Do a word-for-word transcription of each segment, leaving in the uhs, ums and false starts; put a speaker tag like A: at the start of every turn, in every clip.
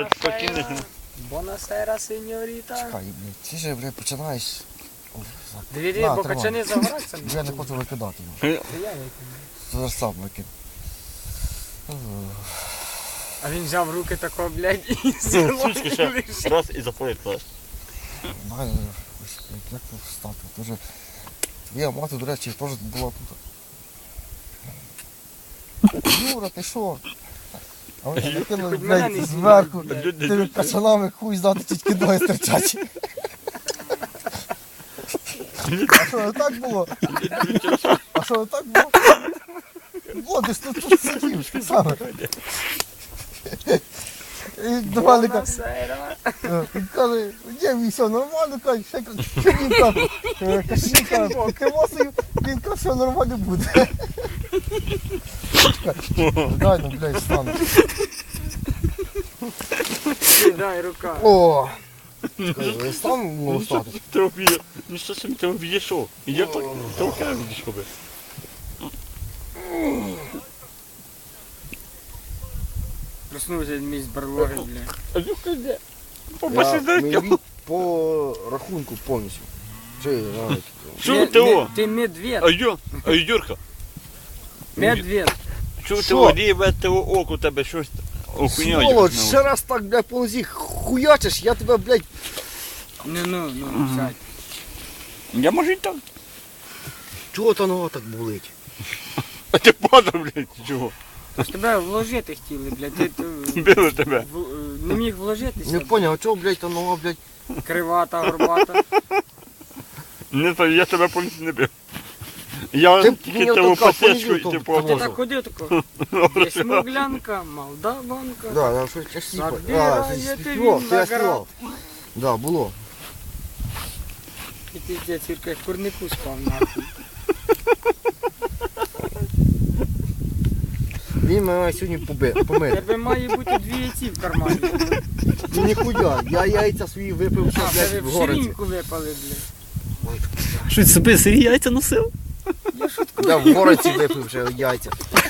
A: покинеш.
B: Бонасера, сеньоріта.
C: Чекай, блядь, ти же, блядь, починаєш...
B: Дивіться,
C: На,
B: бо
C: тримай.
B: качани загораться.
C: Я не хочу викидати його.
B: Це я викину.
C: Зараз сам викину.
B: А він взяв в руки тако, блядь, і
A: Сучки ще
B: лишив.
A: раз і заплив. так.
C: Дай, ось, блядь, як тут встати? Тоже... Твоя мати, до речі, теж була тут. Юра, ти що? А вони накинули,
B: Хоч мене не
C: блядь,
B: знімай,
C: зверху.
B: блядь.
C: Тими качанами хуй здати, тільки ноги стирчать. А що, не так було? А що, не так було? О, ти ж тут, тут сидів, саме. І до мене каже,
B: Бонасера.
C: він каже, є він все нормально, каже, ще каже, що він там, каже, каже, покивосою, він каже, все нормально буде. Дай, ну, блядь, стану.
B: Дай рука.
C: О! Чекай, стан можу стати?
A: Ти обіє. Ну що собі ти обійшов? І я так толкаю відійшов би.
B: Проснувся мій з барлоги, блядь.
A: А Юрка де?
C: Я
A: Побачиш,
C: мені по рахунку повністю. Чи, навіть.
A: Чого ти о?
B: Ти медведь.
A: А Йо, а Юрка,
B: Медведь.
A: чого ти
C: Що?
A: о, ріве того оку у тебе щось охуняє.
C: Сволоч, ще раз так, блядь, по нозі хуячиш, я тебе, блядь,
B: Ну, ну, ну, сядь.
A: Я можу і так.
C: чого та нога так болить?
A: А ти падав, блядь, чого?
B: Тож тебе вложити хотіли, блядь. Ти, ти
A: Били тебе.
B: в- не міг вложитися.
C: Не поняв, а чого, блядь, та нога, блядь?
B: Кривата, горбата.
A: Не знаю, я тебе повністю не бив. Я
C: Ти
A: тільки
C: мені
A: тебе
C: отака
A: посечку і
C: понизив,
A: ти
C: то-
A: по
B: Ти
C: Можу.
B: так ходив тако. Є смуглянка, молдаванка.
C: Да, я щось я сіпа.
B: Забирає
C: А,
B: ти
C: співав,
B: він
C: це я
B: наград.
C: співав. Да, було.
B: І піздець, Юрка, як в курнику спав, нахуй.
C: Він мене сьогодні поби-
B: У
C: помив.
B: тебе має бути дві яйці в кармані.
C: Ну ніхуя, я яйця свої випив, що,
B: А, в тебе
C: блядь, в
B: в
C: городі.
B: ширинку випали, блядь.
D: Що ти собі сирі яйця носив?
B: Я шуткую.
C: Я в городі випив вже яйця.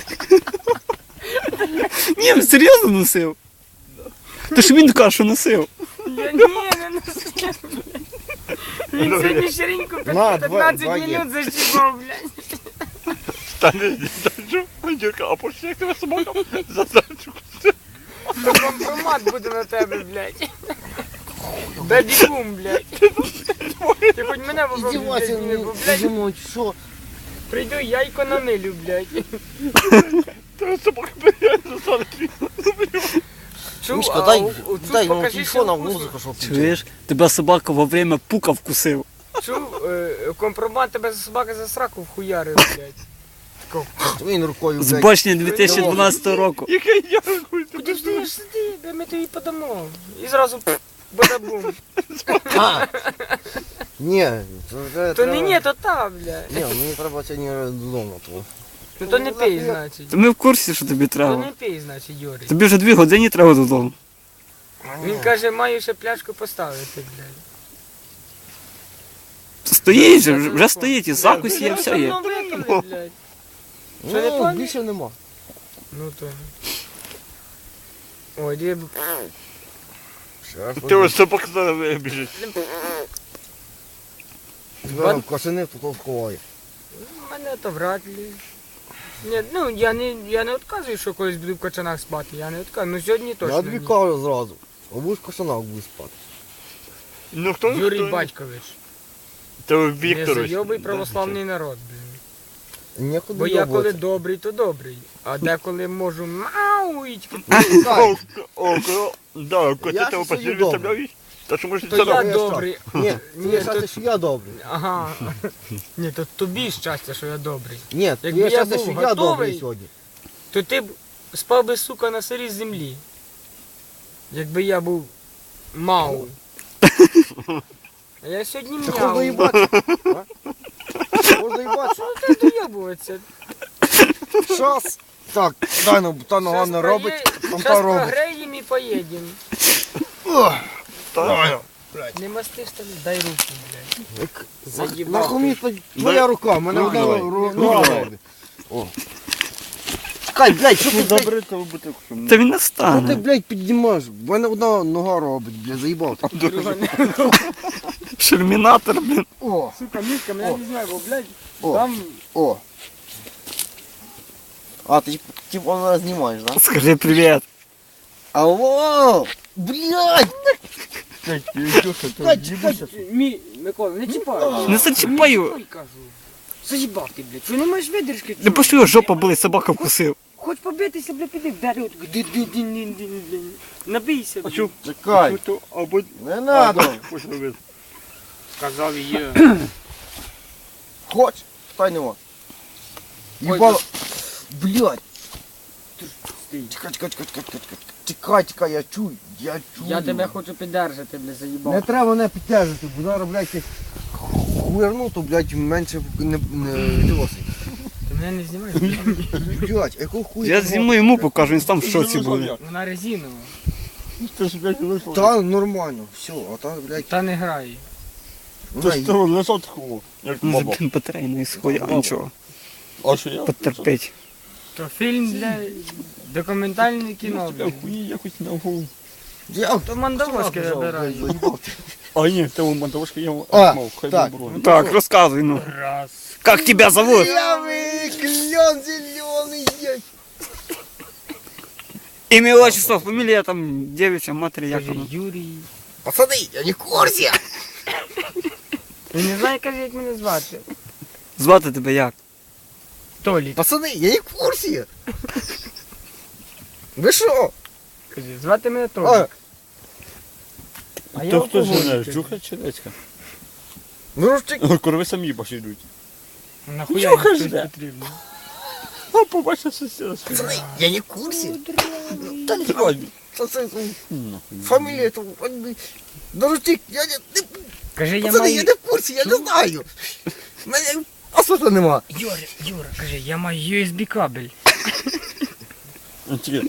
D: Ні, серйозно носив. То ж він каже, що носив.
B: Я ні, не носив, блядь. Він сьогодні ширинку
C: На, два-
B: п'ятнадцять
C: два є.
B: минут защіпав, блядь.
A: Та не держу. Юрка, а пошли, як тебе собака задачу.
B: То компромат буде на тебе, блядь. Бебі-бум, блядь. Ти хоч мене попробуй,
C: Іздівайся,
B: блядь, не
C: ну,
B: бо, блядь,
C: думаю, що?
B: прийду яйко на милю, блядь.
A: Та собака бере, засадить.
B: Чув,
C: Мішка,
B: а
C: дай,
B: у- у цю
C: дай мені
B: покажи,
C: телефон,
B: що
C: а
B: вкусно.
C: музику, щоб
D: Чуєш? Тебе собака во время пука вкусив.
B: Чув, е, компромат тебе за собака за сраку вхуярив, блядь. Тако,
C: Він рукою,
D: З
C: блядь.
D: башні дві тисячі дванадцятого року.
A: Яке я хуй
B: куди ж ти сиди, бо ми тобі подамо. І зразу пф, бадабум.
C: А! Ні, то вже
B: То не
C: треба-
B: ні, то та, блядь.
C: Ні, мені треба сьогодні додому. то.
B: Ну то не пий, значить.
D: То ми в курсі, що тобі
B: То
D: треба.
B: не пий, значить, Юрій.
D: Тобі вже дві години треба додому.
B: Він каже, маю ще пляшку поставити, блядь.
D: Стоїть же, вже- вже стоїть, і закусь є,
B: Ну,
D: все є.
B: давно випили, блядь. Що, не
C: Ну,
B: пам'ятаєш?
C: більше нема.
B: Ну то. Ой, де б-
C: Ще раз
A: Ти ось собака зараз біжить.
C: Зараз кошени тут сховає.
B: мене то вряд ли. Ні, ну я не, я не відказую, що колись буду в качанах спати. Я не відказую. Ну сьогодні точно.
C: Я
B: ні.
C: тобі кажу зразу. А будеш в кошанах будеш спати.
A: Ну хто?
B: Юрій
A: хто-
B: Батькович.
A: То
B: Не
A: Вікторович.
B: зайобий
A: Да,
B: православний народ, блін.
C: Нікуди
B: Бо я коли
C: йобувати.
B: добрий, то добрий. А деколи можу мау і тільки-
A: О, о, о, да, коли
C: Я
A: ти тебе
C: ж сьогодні
A: постійно виставляєш, та що може
B: То
A: це
B: я
C: я
B: добрий.
C: Ні,
B: Ні,
C: це
B: то-
C: щастя, що я добрий.
B: Ага. Ні, то тобі щастя, що я добрий.
C: Ні,
B: Якби
C: тобі
B: я
C: щастя,
B: був
C: що я
B: готовий-
C: добрий сьогодні.
B: То ти б спав би, сука, на сирій землі. Якби я був мау. А я сьогодні
C: Та можна
B: мяу.
C: їбатися. а? Можна їбатися.
B: Що ти доєбуватися?
C: Щас. Так, дай нам, та нога
B: Щас
C: не робить,
B: прогре-
C: там
B: щас
C: та робить.
B: прогреєм і поїдемо.
A: Та,
B: Не мастиш там, дай руку, блядь.
C: Як-
B: Заїбав
C: Нахуй мені
B: ти.
C: та твоя рука, в мене
A: Ну,
C: одна
A: давай.
C: ру-
A: Ну,
C: нога
A: давай.
C: робить. О. Чекай, блядь, що ти, блядь,
A: Забери того бутилку. що мені-
D: Та він не
C: що ти,
D: стане.
C: блядь, піднімаєш? В мене одна нога робить, блядь, заїбав. ти.
D: Шермінатор, блін.
C: О,
B: Сука, Мішка, мене
C: О.
B: не знаю, бо, блядь,
C: О.
B: там...
C: о. А, ти типу вона знімаєш, да?
D: Скажи привіт.
C: Алло! Блядь!
A: Блядь, Ілюша, то
C: Чекай,
A: їбуся.
B: Мі, Микола, не чіпай.
D: Не зачіпаю.
B: Ой, кажу. Заїбав ти, блядь. Що не маєш видержки?
D: Не пошли його жопа болить, собака вкусив.
B: Хоч побитися, блядь, піди вдарив. от ди-ди-ди-ди-ди-ди. Набийся,
A: А
B: блядь.
A: чу?
C: Чекай,
A: То або...
C: не надо.
A: Хоч робити.
B: Сказав є.
C: Хоч? Стай нема. Їбало. Блядь.
B: Стій.
C: Чекай, чекай, чекай, чекай, чекай, чекай. Чекай, чекай, я чую, я чую.
B: Я тебе хочу піддержати, блядь, заїбав.
C: Не треба мене підтягувати, бо зараз, блядь, як хуярну, то, блядь, менше не, не досить.
B: Ти мене не знімаєш?
C: Блядь, якого хуя?
D: Я
C: ти
D: зніму йому покажу, він там в шоці буде.
A: буде.
B: Вона резинова.
A: Ти ж, блядь, лежав.
C: Та нормально, все, а та, блядь,
B: Та не грає.
A: Ти
C: вона
A: ж того лежав такого, як
D: Ну,
A: баба.
D: блін, батарейної схуя, а нічого.
A: А що я?
D: Потерпить.
B: То фільм для документальне кіно,
A: Я
B: блядь.
A: хуї якось на голову.
C: Я
B: То мандавошки вибираю.
A: А ні, в тебе мантовошка є,
C: А,
A: мав, хай
C: так.
A: добро.
D: Так, розказуй, ну.
B: Раз.
D: Как тебя зовут?
C: Белый клен зеленый есть.
D: Ім'я, отчество, фамілія там, девичья, матері, як
B: Каже,
D: воно.
B: Юрій.
C: Пацаны, я не в курсе.
B: Він не знає, каже, як мене звати.
D: Звати тебе як?
B: Толік.
C: Пацаны, я не в курсе. Вы шо?
B: Каже, звати мене Толік.
C: А,
B: А я
A: То хто
B: алкоголік,
A: жене,
B: каже.
A: Жуха чи Леська?
C: ну рушчик.
A: Корови самі баші йдуть.
B: Нахуя
A: Чого
B: їм
A: ж
B: щось
A: де?
B: потрібно?
A: А побачив сусіда.
C: Пацаны, я не в курсе.
A: Та не тривай.
C: Пацаны,
A: Нахуй.
C: фамилия это... Ну рушчик, я не... не-
B: Каже, я
C: Пацаны,
B: маю...
C: я не в курсе, я не знаю. Мене освіта нема.
B: Юра, Юра, каже, я маю ю ес бі кабель.
A: Тільки,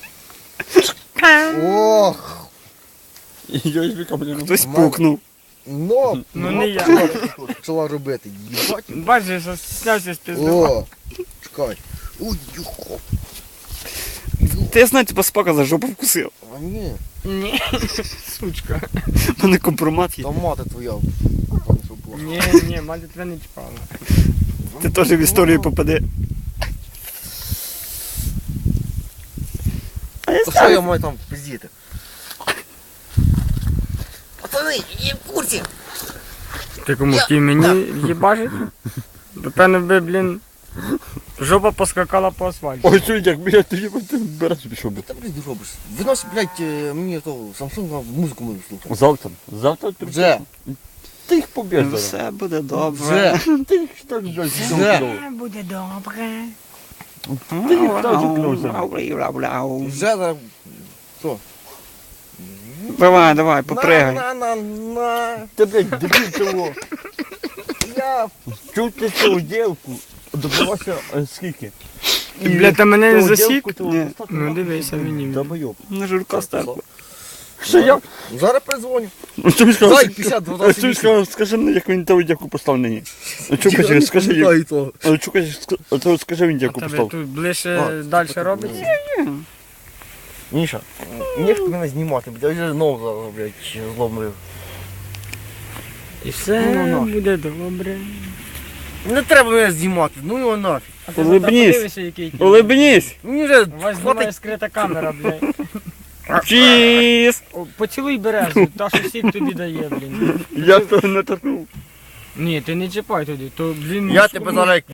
C: Ох,
A: я із віка, блін.
D: Хтось пукнув.
C: ну,
B: Ну, не я.
C: почала робити. Їбать.
B: Бачиш, що снявся з пізду.
C: О, чекай. Ой, юхо.
D: Та я знаю, тебе собака за жопу вкусив.
C: А ні,
B: Ні, сучка.
D: У мене компромат є.
C: там мати твоя. Пане, що була.
B: Ні, ні, мати тебе не чіпала.
D: Ти теж в історію попаде. А я
C: То що я маю там пиздіти? Пацани, я в курсі.
B: Ти кому хотів мені їбажить? Напевно би, блін, жопа поскакала по асфальту.
A: Ой, чуй, як, блядь, ти їбать, ти береш пішов би.
C: Та, блядь, робиш. Винось, блядь, е, мені то Samsung музику мою слухати.
A: Завтра, завтра ти
C: Вже,
A: Ти їх поб'єш зараз.
D: Все буде добре.
C: вже.
A: Ти їх так, блядь,
C: Вже.
A: знову.
B: Буде добре.
A: Ти їх так кльося.
C: Вже зараз. Що?
D: Давай, давай, попригай.
C: На, на, на, на.
A: Ти, блядь, дебіль цього.
C: Я
A: Чув ти цю дівку? Добивався е, скільки?
B: Ти, блядь, та мене не
A: Цю
B: засік?
A: дівку ти
D: Ні.
A: достатньо
B: Ну,
A: нахуй
B: дивися
A: собі.
B: мені.
A: Долбойоб.
D: На журка стерпла.
A: Що я?
C: зараз передзвоню.
A: Ну, що він
C: Дай
A: сказав?
C: п'ятдесят
A: А
C: двадцять
A: що він сказав, скажи мені, як він того дівку поставив нині. А чого каже, скажи їм.
C: то.
A: А чого каже, ск- а то скажи він
B: А
A: дівку
B: тебе
A: поставив.
B: тут ближче
C: А,
B: далі робиться?
C: Міша, не хто мене знімати, блядь, я вже знову зараз, блядь, зломлив.
B: І все
C: Ну, ну, ну.
B: буде добре.
C: Не треба мене знімати, ну його нафіг.
B: А ти
D: Улибнись.
B: завтра подивишся, який ти.
D: Улибнись.
C: Мені вже
B: У вас знімає скрита камера, блядь.
D: Чіз.
B: О, поцілуй березу, та що сік тобі дає, блін.
A: Я того не торкнув.
B: Ні, ти не чіпай туди, то, блін...
C: Я тебе зараз як